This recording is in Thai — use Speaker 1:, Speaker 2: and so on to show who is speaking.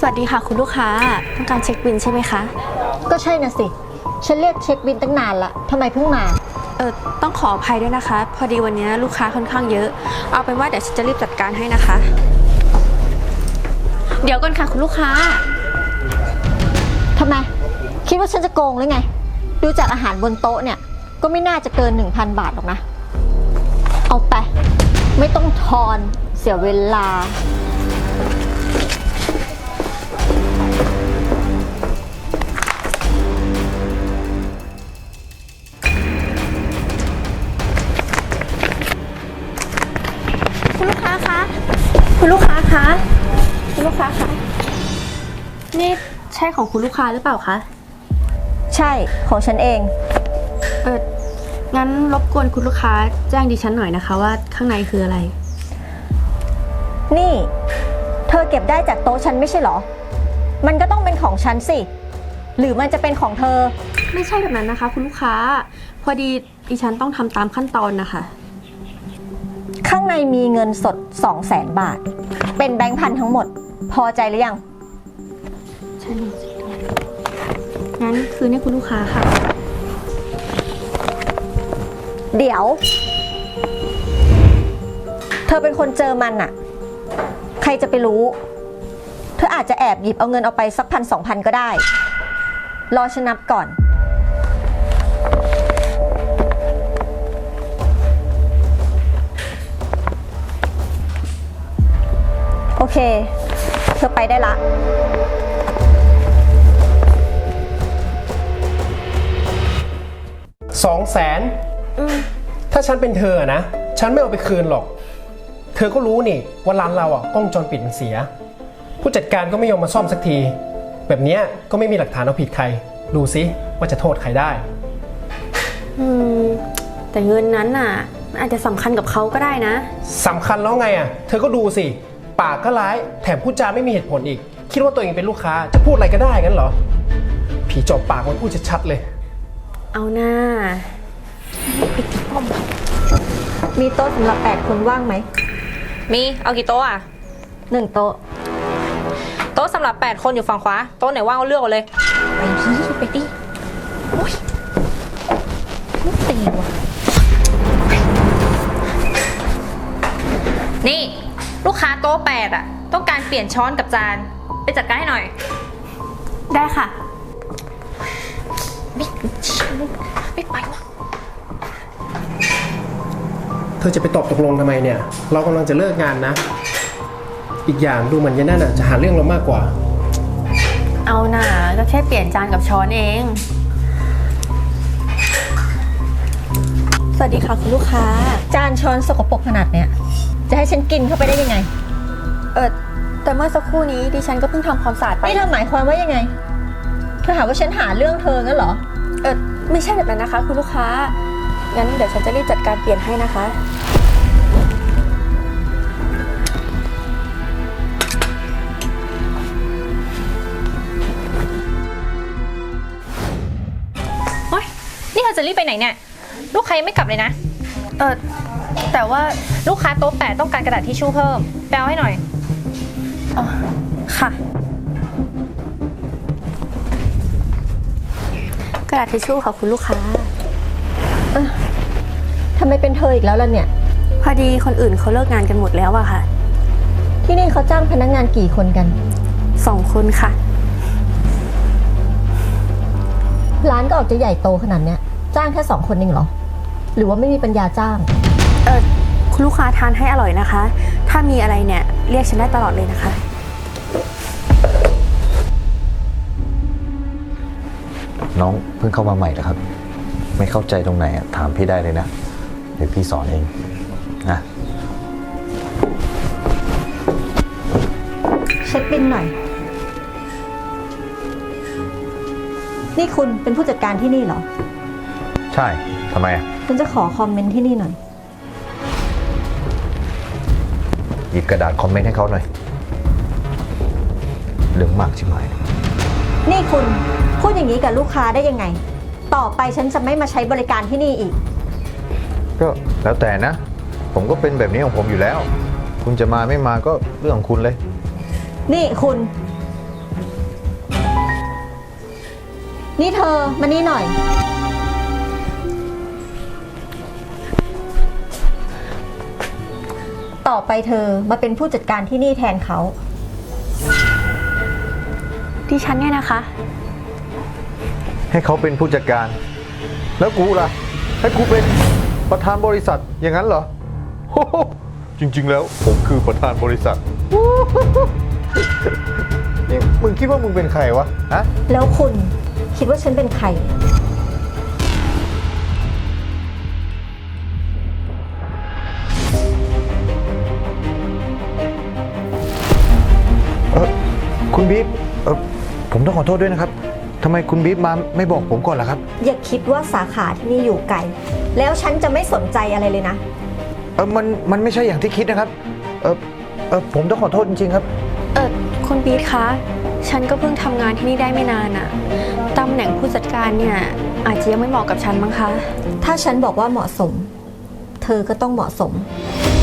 Speaker 1: วัสดีค่ะคุณลูกค้าต้องการเช็คบิลใช่ไหมคะ
Speaker 2: ก็ใช่นะสิฉันเรียกเช็คบิลตั้งนานละทำไมเพิ่งมา
Speaker 1: ต้องขออภัยด้วยนะคะพอดีวันนี้ลูกค้าค่อนข้างเยอะเอาเป็นว่าเดี๋ยวฉันจะรีบจัดการให้นะคะ เดี๋ยวก่อนค่ะคุณลูกค้า
Speaker 2: ทำไมคิดว่าฉันจะโกงหรือไงดูจากอาหารบนโต๊ะเนี่ยก็ไม่น่าจะเกิน 1,000 บาทหรอกนะเอาไปไม่ต้องทอนเสียเวลา
Speaker 1: คุณลูกค้าคะคุณลูกค้าคะคุณลูกค้าคะนี่ใช่ของคุณลูกค้าหรือเปล่าคะ
Speaker 2: ใช่ของฉันเอง
Speaker 1: งั้นรบกวนคุณลูกค้าแจ้งดิฉันหน่อยนะคะว่าข้างในคืออะไร
Speaker 2: นี่เธอเก็บได้จากโต๊ะฉันไม่ใช่หรอมันก็ต้องเป็นของฉันสิหรือมันจะเป็นของเธอ
Speaker 1: ไม่ใช่แบบนั้นนะคะคุณลูกค้าพอดีดิฉันต้องทำตามขั้นตอนนะคะ
Speaker 2: ข้างในมีเงินสด 200,000 บาทเป็นแบงค์พันทั้งหมดพอใจหรือยัง
Speaker 1: ใช่เลยงั้นคืนให้คุณลูกค้าค่ะ
Speaker 2: เดี๋ยวเธอเป็นคนเจอมันอะใครจะไปรู้เธออาจจะแอบหยิบเอาเงินเอาไปสัก1,000-2,000ก็ได้รอฉันนับก่อนโอเคเธอไปได้ละ
Speaker 3: 200,000ถ้าฉันเป็นเธอนะฉันไม่เอาไปคืนหรอกเธอก็รู้นี่ว่าร้านเรากล้องวงจรปิดมันเสียผู้จัดการก็ไม่ยอมมาซ่อมสักทีแบบนี้ก็ไม่มีหลักฐานเอาผิดใครดูซิว่าจะโทษใครได้
Speaker 1: แต่เงินนั้นน่ะอาจจะสำคัญกับเขาก็ได้นะ
Speaker 3: สำคัญแล้วไงเธอก็ดูสิปากก็ร้ายแถมพูดจาไม่มีเหตุผลอีกคิดว่าตัวเองเป็นลูกค้าจะพูดอะไรก็ได้งั้นเหรอผีจอบปากมันพูดชัดๆเลย
Speaker 1: เอาหน้าไปติดป้อม
Speaker 2: มีโต๊ะสำหรับ8 คนว่างไหม
Speaker 4: มีเอากี่โต๊ะ
Speaker 2: 1 โต๊ะ
Speaker 4: โต๊ะสำหรับ8 คนอยู่ฝั่งขวาโต๊ะไหนว่างเอาเลือกเอาเลย
Speaker 2: ไปดิโอ้ยไม่ตีว่ะ
Speaker 4: นี่ลูกค้าโต๊ะ8ต้องการเปลี่ยนช้อนกับจานไปจัดการให้หน่อย
Speaker 1: ได้ค่ะ
Speaker 4: ไม่ไปวะ
Speaker 3: เธอจะไปตอบตกลงทำไมเนี่ยเรากำลังจะเลิกงานนะอีกอย่างดูเหมือนยันนั่นจะหาเรื่องเรามากกว่า
Speaker 1: เอาหน่าก็แค่เปลี่ยนจานกับช้อนเองสวัสดีค่ะคุณลูกค้า
Speaker 2: จานช้อนสกปรกขนาดเนี้ยจะให้ฉันกินเข้าไปได้ยังไง
Speaker 1: แต่เมื่อสักครู่นี้ดิฉันก็เพิ่งทำความสะอาดไป
Speaker 2: นี่เธอหมายความว่ายังไงเธอหาว่าฉันหาเรื่องเธองั้นเหรอ
Speaker 1: ไม่ใช่แบบนั้นนะคะคุณลูกค้างั้นเดี๋ยวฉันจะรีบจัดการเปลี่ยนให้นะคะ
Speaker 4: โอ๊ยนี่เธอจะรีบไปไหนเนี่ยลูกค้ายังไม่กลับเลยนะ
Speaker 1: แต่ว่า
Speaker 4: ลูกค้าโต๊ะ8ต้องการกระดาษทิชชู่เพิ่มแปลให้หน่อย
Speaker 1: ค่ะกระดาษทิชชู่ค่ะคุณลูกค้า
Speaker 2: ทำไมเป็นเธออีกแล้วล่ะเนี่ย
Speaker 1: พอดีคนอื่นเขาเลิกงานกันหมดแล้วอะค่ะ
Speaker 2: ที่นี่เขาจ้างพนักงานกี่คนกัน
Speaker 1: 2 คนค่ะ
Speaker 2: ร้านก็ออกจะใหญ่โตขนาดเนี้ยจ้างแค่2 คนเองเหรอหรือว่าไม่มีปัญญาจ้าง
Speaker 1: คุณลูกค้าทานให้อร่อยนะคะถ้ามีอะไรเนี่ยเรียกฉันได้ตลอดเลยนะคะ
Speaker 5: น้องเพิ่งเข้ามาใหม่นะครับไม่เข้าใจตรงไหนถามพี่ได้เลยนะเดี๋ยวพี่สอนเองนะ
Speaker 2: เช็คบิลหน่อยนี่คุณเป็นผู้จัดการที่นี่เหรอ
Speaker 5: ใช่ทำไม
Speaker 2: ฉันจะขอคอมเมนต์ที่นี่หน่อย
Speaker 5: หยิบกระดาษคอมเมนต์ให้เขาหน่อยเรื่องมากใช่ไหม
Speaker 2: นี่คุณพูดอย่างนี้กับลูกค้าได้ยังไงต่อไปฉันจะไม่มาใช้บริการที่นี่อีก
Speaker 5: ก็แล้วแต่นะผมก็เป็นแบบนี้ของผมอยู่แล้วคุณจะมาไม่มาก็เรื่องของคุณเลย
Speaker 2: นี่คุณนี่เธอมานี่หน่อย ต่อไปเธอมาเป็นผู้จัดการที่นี่แทนเขา
Speaker 1: ดิฉันเนี่ยนะคะ
Speaker 5: ให้เขาเป็นผู้จัดการ แล้วกูล่ะ ให้กูเป็นประธานบริษัทอย่างนั้นเหรอ จริงๆแล้วผมคือประธานบริษัท นี่มึงคิดว่ามึงเป็นใครวะฮะ
Speaker 2: แล้วคุณคิดว่าฉันเป็นใคร
Speaker 5: คุณบีฟผมต้องขอโทษด้วยนะครับทำไมคุณบีฟมาไม่บอกผมก่อนล่ะครับ
Speaker 2: อย่าคิดว่าสาขาที่นี่อยู่ไกล แล้วฉันจะไม่สนใจอะไรเลยนะ
Speaker 5: มันไม่ใช่อย่างที่คิดนะครับ ผมต้องขอโทษจริงๆครับ
Speaker 1: คุณบีทคะ ฉันก็เพิ่งทำงานที่นี่ได้ไม่นานอะตำแหน่งผู้จัดการเนี่ยอาจจะยังไม่เหมาะกับฉันมั้งคะ
Speaker 2: ถ้าฉันบอกว่าเหมาะสม เธอก็ต้องเหมาะสม